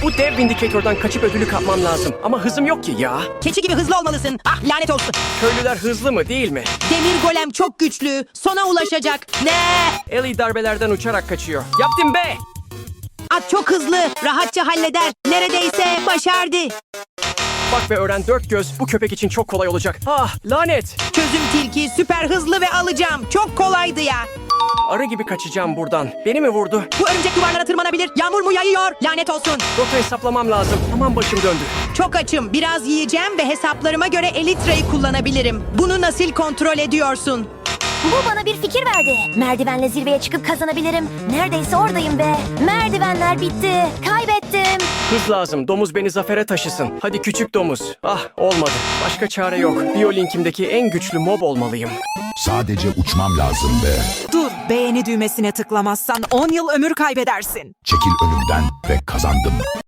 Bu dev vindikatörden kaçıp ödülü kapmam lazım. Ama hızım yok ki ya. Keçi gibi hızlı olmalısın. Ah lanet olsun. Köylüler hızlı mı değil mi? Demir golem çok güçlü. Sona ulaşacak. Ne? Ellie darbelerden uçarak kaçıyor. Yaptım be! At çok hızlı. Rahatça halleder. Neredeyse başardı. Bak ve öğren, dört göz bu köpek için çok kolay olacak. Ah lanet! Çözüm tilki süper hızlı ve alacağım. Çok kolaydı ya. Arı gibi kaçacağım buradan. Beni mi vurdu? Bu örümcek duvarlara tırmanabilir. Yağmur mu yağıyor? Lanet olsun. Rota hesaplamam lazım. Aman başım döndü. Çok açım. Biraz yiyeceğim ve hesaplarıma göre Elytra'yı kullanabilirim. Bunu nasıl kontrol ediyorsun? Bu bana bir fikir verdi. Merdivenle zirveye çıkıp kazanabilirim. Neredeyse oradayım be. Merdivenler bitti. Kaybettim. Hız lazım. Domuz beni zafere taşısın. Hadi küçük domuz. Ah olmadı. Başka çare yok. Biyolinkimdeki en güçlü mob olmalıyım. Sadece uçmam lazım be. Dur, beğeni düğmesine tıklamazsan 10 yıl ömür kaybedersin. Çekil önümden ve kazandım.